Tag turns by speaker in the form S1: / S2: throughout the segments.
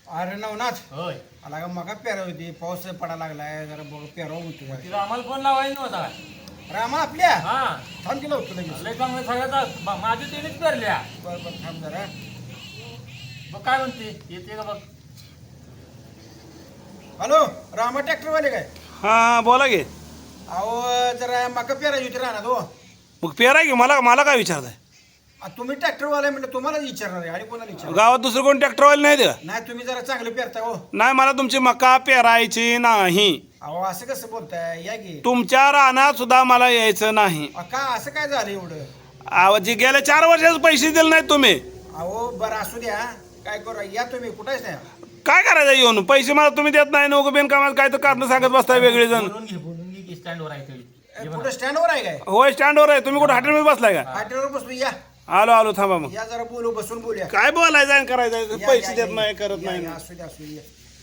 S1: अरे नवनाथ
S2: होय
S1: आला का मका पेरा होती पाऊस पडायला लागलाय जरा बघ पेरा होतो
S2: तिला आम्हाला फोन लावायचा नव्हता
S1: रामा आपल्या
S2: हा
S1: थांब केलं होतं लगेच
S2: लय चांगलं सगळ्याचा माझी तिनेच पेरल्या
S1: बरं बरं थांब जरा
S2: बघ काय म्हणते येते का बघ
S1: हॅलो रामा ट्रॅक्टरवाले काय
S3: हा बोला की
S1: अहो जरा मका पेरायची होती राहणार हो
S3: मग पेरा की मला मला काय विचारताय
S1: तुम्ही ट्रॅक्टरवाले म्हटलं तुम्हालाच विचारणार आहे आणि कोणाला विचारणार
S3: गावात दुसरं कोण ट्रॅक्टरवाले नाही का
S1: नाही तुम्ही जरा चांगलं पेरताय हो
S3: नाही मला तुमची मका पेरायची नाही
S1: अहो असं कसं बोलताय या की
S3: तुमच्या रानात सुद्धा मला यायचं नाही
S1: का असं काय झालं एवढं
S3: अहो, जे गेल्या 4 वर्षाचे पैसे दिले नाहीत तुम्ही
S1: अहो बरं असू द्या काय करू या तुम्ही कुठेच नाही
S3: काय करायचं येऊन पैसे मला तुम्ही देत नाही नको बिन कामात काय तर कारण सांगत बसताय वेगळे जण
S2: बोलून घे की स्टँडवर आहे तरी
S1: कुठं स्टँडवर आहे काय
S3: होय स्टँडवर आहे तुम्ही कुठं हॉटेलमध्ये बसलाय का
S1: हॉटेलवर बसलो या
S3: आलो आलो थांबा मग
S1: या जरा बोलू बसून बोलूया
S3: काय बोलायचं आणि करायचं
S1: या,
S3: पैसे
S1: या,
S3: देत
S1: या,
S3: नाही करत
S1: या,
S3: नाही
S1: या, असू द्या असू द्या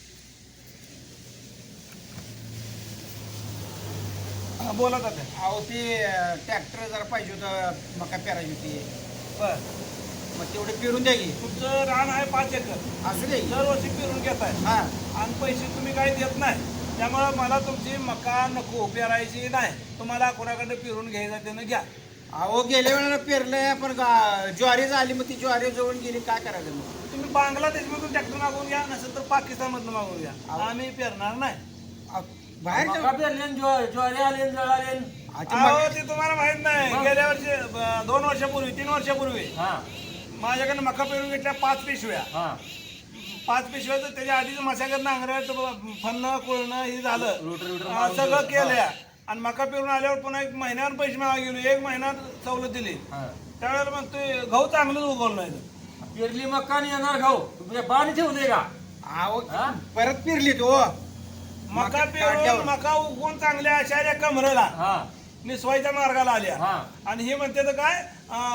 S3: हा, बोला तात्या.
S1: अहो ते ट्रॅक्टर जरा पाहिजे होतं मका पेरायची होती
S3: बर
S1: मग तेवढे पेरून द्या की
S3: तुमचं रान आहे 5 एकर
S1: असू दे की.
S3: दरवर्षी पेरून घेताय
S1: हा
S3: आणि पैसे तुम्ही काही देत नाही त्यामुळे मला तुमची मका नको पेरायची नाही तुम्हाला कोणाकडे पेरून घ्यायचं त्यानं घ्या
S1: अहो गेल्या वेळेला पेरलंय पण ज्वारी झाली मग ती ज्वारी जवळ गेली काय करायचं मग
S3: तुम्ही बांगलादेशमधून ट्रॅक्टर मागवून घ्या नसेल तर पाकिस्तानमधून मागवून घ्या आम्ही पेरणार नाही
S1: अहो, बाहेर जाऊ.
S2: मका पेरले आणि ज्वारी आले आणि जळ आले
S1: अहो, ते
S3: अहो
S1: मग-
S3: ते तुम्हाला माहित नाही
S2: मग?
S3: गेल्या वर्षी 2 वर्षापूर्वी 3 वर्षापूर्वी
S2: हा
S3: माझ्याकडे मका पेरून घेतल्या 5 पिशव्या
S2: हा
S3: 5 पिशव्या तर त्याच्या आधीच मशागत नांगरट फन्न कोळणं हे झालं
S2: रोटर
S3: सगळं केलं आणि मका पेरून आल्यावर पुन्हा 1 महिन्यावर पैसे मागा गेलो 1 महिन्यात सवलत दिली
S2: हा
S3: त्यावेळेला मग ते गहू चांगलंच उगवलं नाही
S2: पेरली मका आणि येणार घाऊ तुझ्या बाणी ठेवले का
S1: अहो
S2: हा?
S1: परत पेरली तो
S3: मका
S1: काढल्यावर.
S3: पेरून मका उगवून चांगल्या अशा या कमरेला
S2: हा
S3: निसवायच्या मार्गाला आल्या
S2: हा
S3: आणि हे म्हणते तर काय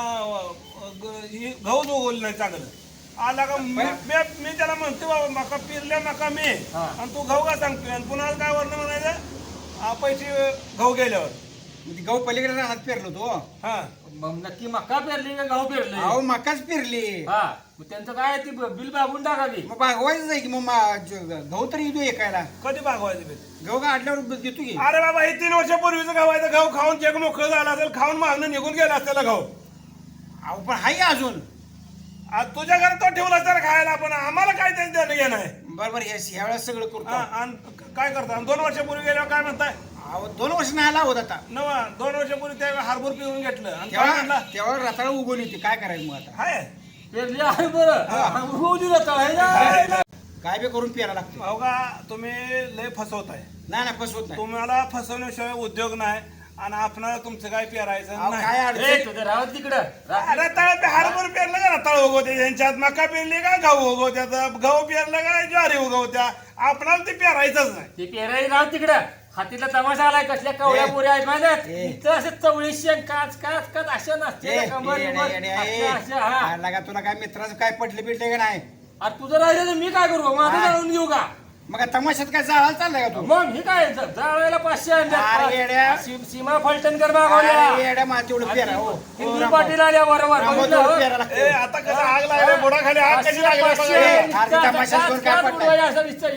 S3: गहूच उगवलं नाही चांगलं आला का मी त्याला म्हणतो बाबा मका पेरल्या मका मी
S2: हा.
S3: आणि तू गहू का सांगतोय आणि पुन्हा काय वर्ण म्हणायचं पैसे गहू गेल्यावर
S1: ती गहू पलीकडे राहत पेरलो तो
S3: हा
S2: मग नक्की मका पेरली का गहू पेरले
S1: अहो मकाच पेरली
S2: हा मग त्यांचं काय आहे ती बिल बाबून टाका की
S1: मग भागवायचं आहे की मग गहू तरी येतो एकायला
S3: कधी भागवायचं बे?
S1: गहू काढल्यावर देतो की
S3: अरे बाबा हे 3 वर्षापूर्वीचं गहू आहे तर गहू खाऊन चेक मोकळं झालं असेल खाऊन मागणं निघून गेला असलेला गहू
S1: अहो पण हाय अजून
S3: आज तुझ्या घरात तो ठेवला तर खायला पण आम्हाला काय त्यांचं देणं घेणं आहे
S1: बरोबर ह्या वेळेस सगळं
S3: हा,
S1: करतो
S3: आणि काय करता आणि 2 वर्षापूर्वी गेल्यावर काय म्हणताय
S1: अहो 2 वर्ष नाही आला होता आता
S3: नवा 2 वर्षापूर्वी त्या हार्बर पिऊन घेतलं आणि काय म्हणला
S1: तेव्हा रताळ उगवून येते काय करायचं मग आता
S3: हाय
S2: पेरली आहे बरं होऊ दिलं तळ ना
S1: काय बी करून पेरा लागतो
S3: भाऊ का तुम्ही लय फसवताय
S1: नाही ना फसवत नाही
S3: तुम्हाला फसवण्याशिवाय उद्योग नाही आणि आपण तुमचं काय पेरायचं
S1: अहो,
S3: नाही
S1: काय
S2: ए
S1: अडचण
S2: तुझं राहत तिकडं
S3: रताळ हार्बर पेरलं का रताळ उगवते यांच्यात मका पेरली का गहू उगवत्यात गहू पेरलं का ज्वारी उगवत्या आपणाला ते पेरायचंच नाही
S2: ते पेराई राहत तिकडं हातीला तमाशा आलाय कसल्या कवळ्या
S1: ए,
S2: पुऱ्या आहेत माहिती
S1: ए.
S2: इथं असे चवळी शेंग काच काच काच अशा नसते कमर बिमर, अशा हा
S1: लागा तुला काय मित्राचं काय पटले बिटले का नाही
S2: अरे तुझं राहिलं तर मी काय करू माझं
S1: हा.
S2: जाळून घेऊ का
S1: मग काय तमाशात काय जाळायला चाललाय का तू
S2: मग हे काय जाळायला 500
S1: अरे येड्या.
S2: सीमा फलटणकर
S1: अरे
S2: मागवल्या
S1: येड्या मा तेवढं पेरा हो
S2: हिंदू पाटील आल्या बरोबर
S1: रामभाऊ
S2: बघितलं,
S1: तेवढं
S2: हो?
S1: पेरा लागतं.
S3: ए आता कसं आग लागली बुडाखाली आग कशी लागली बघा.
S2: 500,
S1: अरे
S2: काच,
S1: तमाशात
S2: काच,
S1: कोण काय
S2: काच
S1: पडलंय?
S2: उडवायला असं विचार,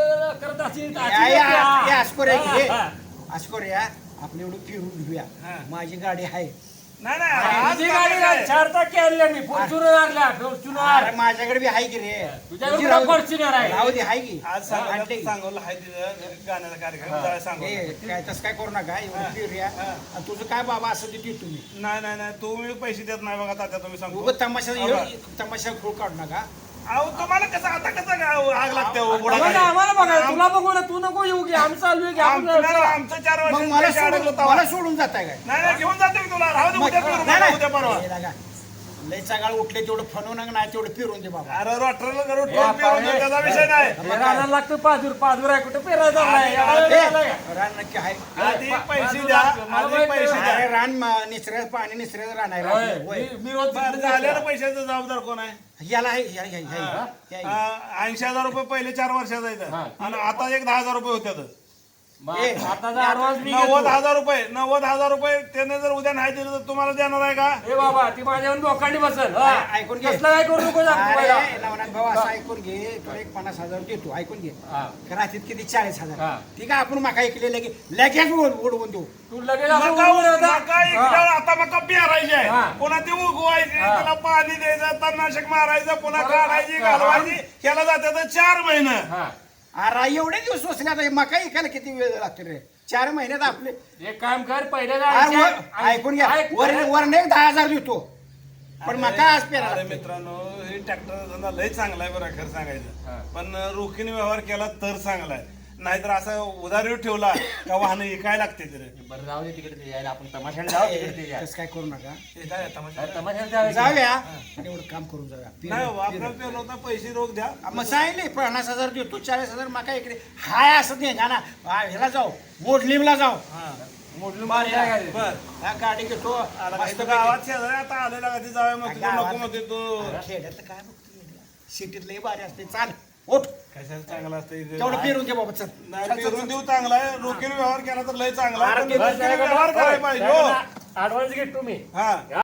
S2: करत असेल, असेल
S1: या,
S2: का?
S1: या, अस्कोर आहे की हे.
S2: हा, हा.
S1: अस्कोर या आपण एवढं फिरून घेऊया
S3: हा.
S1: माझी गाडी आहे
S3: नाही नाही आज
S2: तुझी गाडी
S3: काय?
S2: 4 टाके आणल्या मी फॉर्च्युनर आणल्या
S1: अरे
S2: फॉर्च्युनर
S1: माझ्याकडे बी आहे की रे
S2: तुझ्याकडे
S1: तुझी
S2: कुठं
S1: राहू दे.
S2: फॉर्च्युनर आहे?
S1: राहू दे आहे की
S3: आज
S1: आणते की.
S3: सांगवलं हाय तिथं गाण्याचा कार्यक्रम जरा
S1: ए,
S3: सांगू
S1: काय तसं काय करू नका एवढं फिरूया
S3: हा.
S1: आणि तुझं काय बाबा असं देतो तुम्ही
S3: नाही नाही नाही तुम्ही पैसे देत नाही बघा तात्या तुम्ही सांगतो
S1: उगाच तमाशा
S3: बघा.
S1: तमाशा खूळ काढू नका
S3: अहो तुम्हाला कसं आता कसं काय आग लागते हो
S2: बघा
S3: बुडाखाली?
S2: ना, आम्हाला बघा तुला बघू ना तू नको येऊ की आम्ही चालू आहे की आपण
S3: आमचं 4
S1: मग
S3: वर्ष
S1: मला
S3: पैसे अडकलो
S1: सोडून
S3: तेव्हा.
S1: मला सोडून जाताय काय
S3: नाही नाही घेऊन जातो मी तुला राहू दे
S1: मग-
S3: उद्या फिरू
S1: नाही,
S3: नका, उद्या परवा
S1: नाही. हे लागा. लय सकाळ उठले तेवढं फनवून नाही तेवढं फिरून दे बाबा
S3: अरे रोटरला करून
S2: ए,
S3: फिरून दे, त्याचा विषय नाही
S2: पेरायला लागतं पाजूर आहे कुठं पेरायचं नाही
S1: ए, रान नक्की आहे
S3: आधी पैसे द्या आधी पैसे द्या
S1: अरे रान निसऱ्याचं पाणी निसऱ्याचं रान आहे
S2: होय,
S1: रान. होय.
S2: मी रोज
S3: बरं, झालेल्या पैशाचा जबाबदार कोण आहे
S1: याला आहे या.
S3: 80,000 रुपये पहिले 4 वर्षाचा येतं
S2: हा.
S3: आणि आता एक 10,000 रुपये होते
S1: ए,
S2: आता ऍडव्हान्स मी
S3: 90,000 रुपये त्याने जर उद्या नाही दिलं तर तुम्हाला देणार आहे का
S2: ए बाबा ती माझ्यावर लोकांनी बसल हा.
S1: ऐकून घे.
S2: कसलं काय करू नको
S1: अरे नवनाथ भाऊ असं ऐक ऐकून घे तुला एक 50,000 देतो ऐकून घे
S2: हा.
S1: रात्रीत किती 40,000
S2: हा.
S1: ठीक आहे आपण मका ऐकले लगेच उडवून देऊ
S2: तू लगेच असं
S3: मका
S2: उडवून येतं.
S3: मका इकल्यावर आता मका पेरायची
S2: हा.
S3: आहे पुन्हा ते उगवायची
S2: हा.
S3: त्याला पाणी द्यायचं तणनाशक मारायचं पुन्हा
S2: बरोबर.
S3: काढायची
S2: हा.
S3: घालवायची ह्याला जाते 4 महिने
S2: हा.
S1: अरे एवढे दिवस सोसले आता मका ऐकायला किती वेळ लागतो रे 4 महिन्यात आपले
S2: एक काम कर पहिल्या
S1: अरे ऐकून घ्या वर एक 10,000 देतो पण मका आज पेरा
S3: अरे मित्रांनो हे ट्रॅक्टर धंदा लय चांगला आहे बरं खरं
S2: हा.
S3: सांगायचं पण रोखीने व्यवहार केला तर चांगला आहे नाहीतर असं उधारीवर ठेवला का वाहन इकाय लागते तरी
S2: बरं जाऊ दे तिकडे ते यायला आपण तमाशाला जाऊ तिकडे ते यायला.
S1: तसं काय करू नका
S3: हे काय तमाशा?
S2: अरे तमाशाला जाऊया की.
S1: जाऊया आणि एवढं काम करून जाऊया
S3: नाही हो, आपल्याला पेरलं होता पैसे रोख द्या
S1: मग सांगितले 50,000 देतो 40,000 मका इकडे हाय असं दे ना ह्याला जाऊ मोडलीमला जाऊ
S3: हा.
S2: मोडून मारून काय करायचं?
S3: बर
S1: हा गाडी घेतो
S3: आला
S1: मस्त
S3: इथं गावात शेजारी आता आलेला कधी जाऊया मग तुझं
S1: गावात-
S3: नको म्हणते तू
S1: खेड्यातलं काय बघतो सिटीत लय भारी असते चाल उठ
S3: कशाला चांगला असतं इथे?
S1: तेवढं पेरून दे बाबा चल
S3: नाही, पेरून देऊ चांगला आहे रोखीने व्यवहार केला तर लय चांगला आहे.
S1: अरे
S3: पण
S1: ते
S3: रोखीने व्यवहार करायला पाहिजे हो.
S2: ऍडव्हान्स घेतो मी
S3: हा